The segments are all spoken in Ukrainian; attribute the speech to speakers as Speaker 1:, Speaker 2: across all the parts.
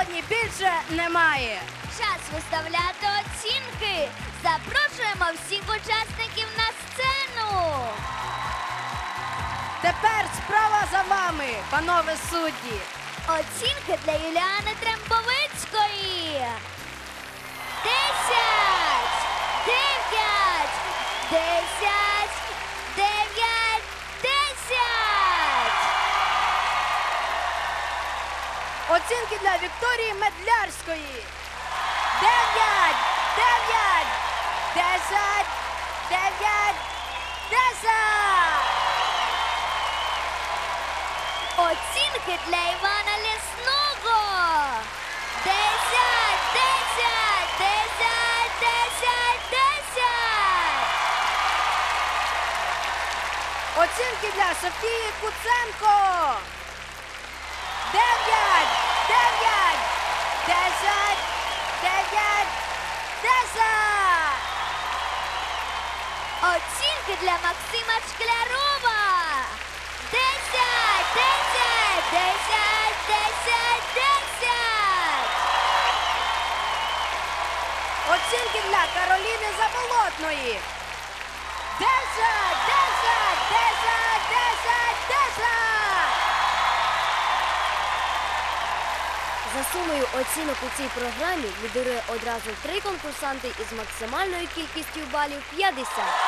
Speaker 1: сьогодні більше немає.
Speaker 2: Час виставляти оцінки. Запрошуємо всіх учасників на сцену.
Speaker 1: Тепер справа за вами, панове судді.
Speaker 2: Оцінки для Юліани Трембовицької. 10, 9, 10, 9, 10.
Speaker 1: Оцінки для Вікторії Медлярської. 9, 9, 10, 9, 10.
Speaker 2: Оцінки для Івана Лісного. 10, 10, 10, 10, 10.
Speaker 1: Оцінки для Софії Куценко. 9, 9, 10, 9, 10.
Speaker 2: Оцінки для Максима Шклярова. 10, 10, 10, 10, 10.
Speaker 1: Оцінки для Кароліни Заболотної. 10, 10, 10, 10, 10.
Speaker 3: За сумою оцінок у цій програмі лідирує одразу 3 конкурсанти із максимальною кількістю балів 50.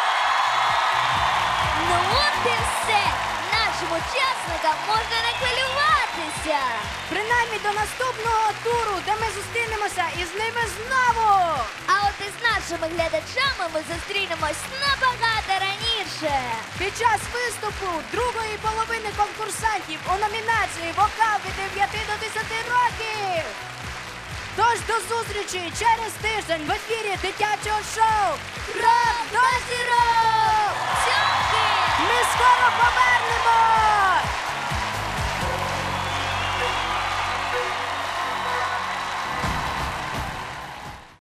Speaker 2: Ну от і все. Нашим учасникам можна не хвилюватися.
Speaker 1: Принаймні до наступного туру, де ми зустрінемося із ними знову.
Speaker 2: А от із нашими глядачами ми зустрінемось набагато раніше.
Speaker 1: Під час виступу другої половини конкурсантів у номінації «Вокал від 9 до 10 років». Тож до зустрічі через тиждень в ефірі дитячого шоу «Рок до зірок».
Speaker 2: Цьомки!
Speaker 1: Ми скоро повернемось!